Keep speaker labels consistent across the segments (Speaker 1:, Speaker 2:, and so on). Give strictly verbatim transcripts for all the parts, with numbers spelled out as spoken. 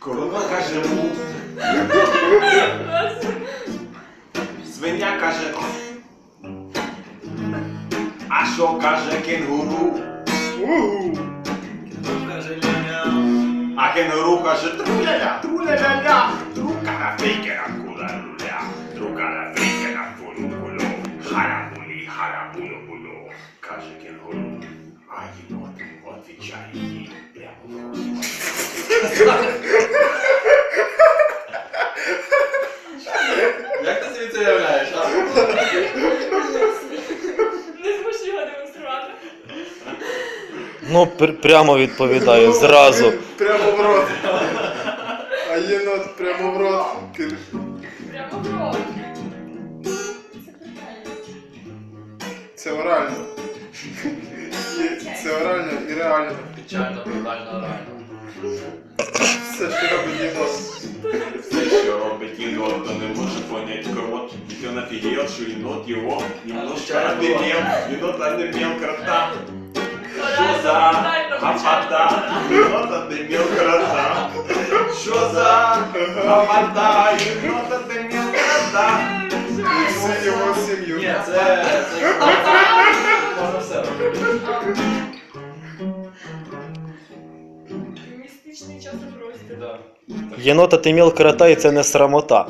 Speaker 1: Корова каже му. Свиня каже. А що каже кенгуру?
Speaker 2: Каже ля-ля.
Speaker 1: А кенгуру каже труля-ля, труля-ля-ля. Друкара фейкера кула-люля. Друкара фейкера кулу-кулу. Харабулі, харабулю-булю. Каже кенгуру. А єнот отвічає їй прямо в рот.
Speaker 2: Як ти собі це уявляєш, а?
Speaker 3: Не зможу його демонструвати.
Speaker 4: Ну, пр прямо відповідаю, зразу.
Speaker 5: Прямо в рот. А єнот прямо в рот.
Speaker 3: Прямо в рот. Це питання.
Speaker 5: Це орально. Є- Це орально і реально.
Speaker 2: Печально, брутально, реально.
Speaker 5: Все, що робить єнот.
Speaker 1: Все, що робить єнот, то не може понять крот. Ведь он офигел, что енот его немножко отымел. Енот отымел крота. Что за гопота? Енот отымел крота. Что за гопота? Енот отымел крота.
Speaker 5: І всю його сім'ю.
Speaker 2: Ні, це... це... Можна все робити.
Speaker 3: Містичний часопростір.
Speaker 2: Да.
Speaker 4: Єнота ти міл крота і це не срамота.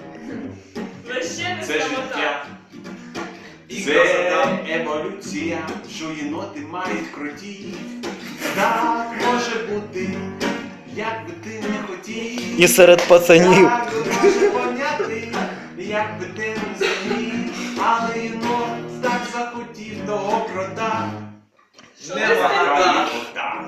Speaker 3: Ще не
Speaker 1: Це
Speaker 3: срамота.
Speaker 1: життя.
Speaker 2: І
Speaker 1: Це
Speaker 2: красота.
Speaker 1: еволюція, що єноти мають кроті. Так може бути, як би ти не хотів.
Speaker 4: І серед пацанів.
Speaker 1: Так може поняти, як би ти не зумів. Але єнот так захотів того крота.
Speaker 3: Що
Speaker 2: Не
Speaker 3: ти
Speaker 2: багато.
Speaker 1: Крота.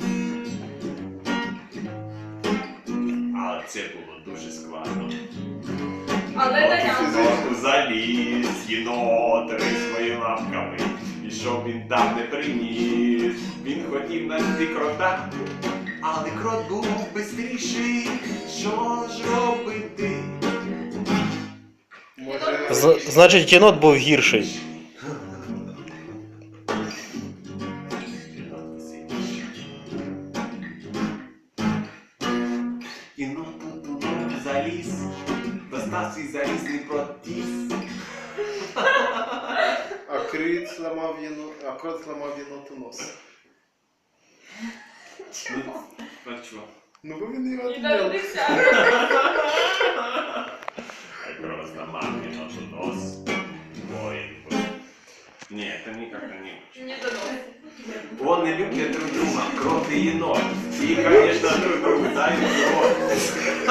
Speaker 1: Але це було дуже складно.
Speaker 3: Але Дарянко.
Speaker 1: Заліз єнот рись своїми лапками, і щоб він там не приніс. Він хотів знайти крота, але крот був бистріший. Що ж робити?
Speaker 5: Може...
Speaker 4: З значить, єнот був гірший.
Speaker 1: Єнот сильніший. Єнот тут заліз, достав свій залізний протіс.
Speaker 5: А крит зламав єнот... А крот зламав єноту нос.
Speaker 1: Ну, а чого?
Speaker 5: Ну бо він його
Speaker 3: І
Speaker 5: відняв.
Speaker 3: додився.
Speaker 1: А крот зламав єноту нос. Ой, ой. Ні, это никак не очень.
Speaker 3: Не додився.
Speaker 1: Он не любят друг друга, крот и енот. И, конечно, друг другу дают крот.